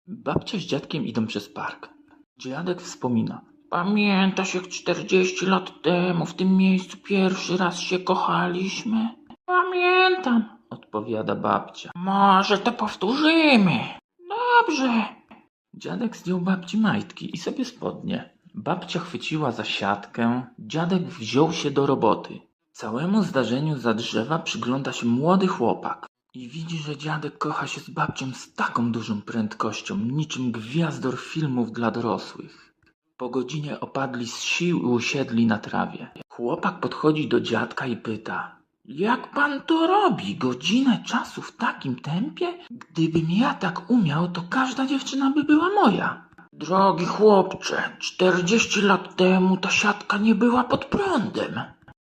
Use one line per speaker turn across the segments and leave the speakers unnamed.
Babcia z dziadkiem idą przez park. Dziadek wspomina. Pamiętasz, jak 40 lat temu w tym miejscu pierwszy raz się kochaliśmy? Pamiętam, odpowiada babcia. Może to powtórzymy. Dobrze. Dziadek zdjął babci majtki i sobie spodnie. Babcia chwyciła za siatkę, dziadek wziął się do roboty. Całemu zdarzeniu za drzewa przygląda się młody chłopak i widzi, że dziadek kocha się z babcią z taką dużą prędkością, niczym gwiazdor filmów dla dorosłych. Po godzinie opadli z sił i usiedli na trawie. Chłopak podchodzi do dziadka i pyta: jak pan to robi? Godzinę czasu w takim tempie? Gdybym ja tak umiał, to każda dziewczyna by była moja. Drogi chłopcze, 40 lat temu ta siatka nie była pod prądem.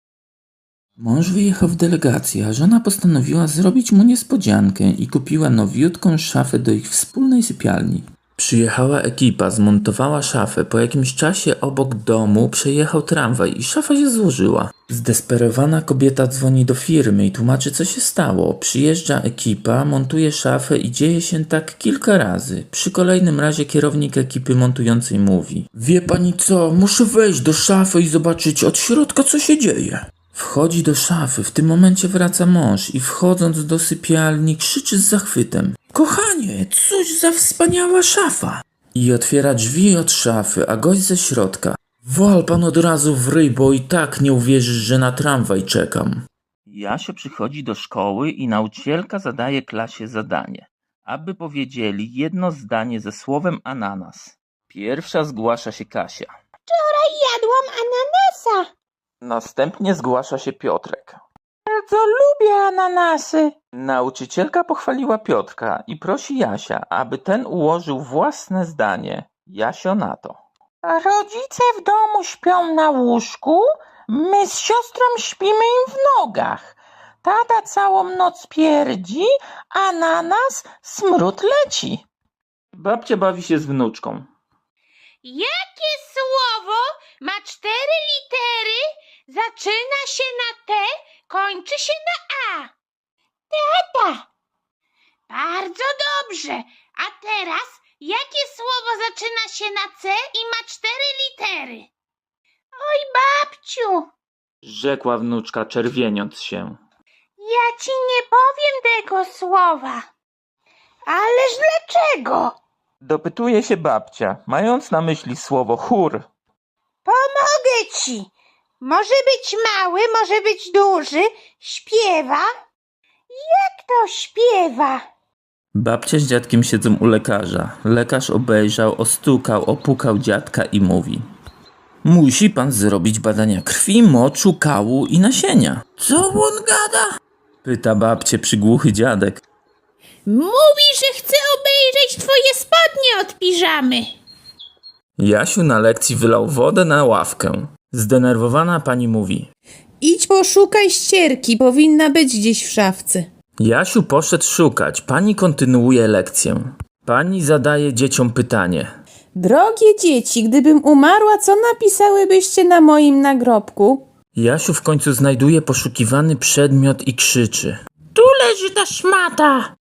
Mąż wyjechał w delegację, a żona postanowiła zrobić mu niespodziankę i kupiła nowiutką szafę do ich wspólnej sypialni. Przyjechała ekipa, zmontowała szafę. Po jakimś czasie obok domu przejechał tramwaj i szafa się złożyła. Zdesperowana kobieta dzwoni do firmy i tłumaczy, co się stało. Przyjeżdża ekipa, montuje szafę i dzieje się tak kilka razy. Przy kolejnym razie kierownik ekipy montującej mówi: wie pani co, muszę wejść do szafy i zobaczyć od środka, co się dzieje. Wchodzi do szafy, w tym momencie wraca mąż i wchodząc do sypialni krzyczy z zachwytem: kochanie, cóż za wspaniała szafa! I otwiera drzwi od szafy, a gość ze środka: wal pan od razu w ryj, bo i tak nie uwierzysz, że na tramwaj czekam. Jasio przychodzi do szkoły i nauczycielka zadaje klasie zadanie, aby powiedzieli jedno zdanie ze słowem ananas. Pierwsza zgłasza się Kasia.
Wczoraj jadłam ananasa.
Następnie zgłasza się Piotrek.
Bardzo lubię ananasy.
Nauczycielka pochwaliła Piotrka i prosi Jasia, aby ten ułożył własne zdanie. Jasio na to:
Rodzice w domu śpią na łóżku, my z siostrą śpimy im w nogach. Tata całą noc pierdzi, a na nas smród leci.
Babcia bawi się z wnuczką.
Jakie słowo ma 4 litery, zaczyna się na T, kończy się na A?
Tata,
Bardzo dobrze. A teraz jakie słowo zaczyna się na C i ma 4 litery? Oj, babciu,
Rzekła wnuczka, czerwieniąc się.
ja ci nie powiem tego słowa.
ależ dlaczego?
Dopytuje się babcia, mając na myśli słowo chór.
Pomogę ci. Może być mały, może być duży. Śpiewa. Jak to śpiewa?
Babcia z dziadkiem siedzą u lekarza. Lekarz obejrzał, ostukał, opukał dziadka i mówi: musi pan zrobić badania krwi, moczu, kału i nasienia. Co on gada? Pyta babcię przygłuchy dziadek.
Mówi, że chce obejrzeć twoje spodnie od piżamy.
Jasiu na lekcji wylał wodę na ławkę. Zdenerwowana pani mówi:
Idź poszukaj ścierki, powinna być gdzieś w szafce.
Jasiu poszedł szukać. Pani kontynuuje lekcję. Pani zadaje dzieciom pytanie.
Drogie dzieci, gdybym umarła, co napisałybyście na moim nagrobku?
Jasiu w końcu znajduje poszukiwany przedmiot i krzyczy:
Tu leży ta szmata.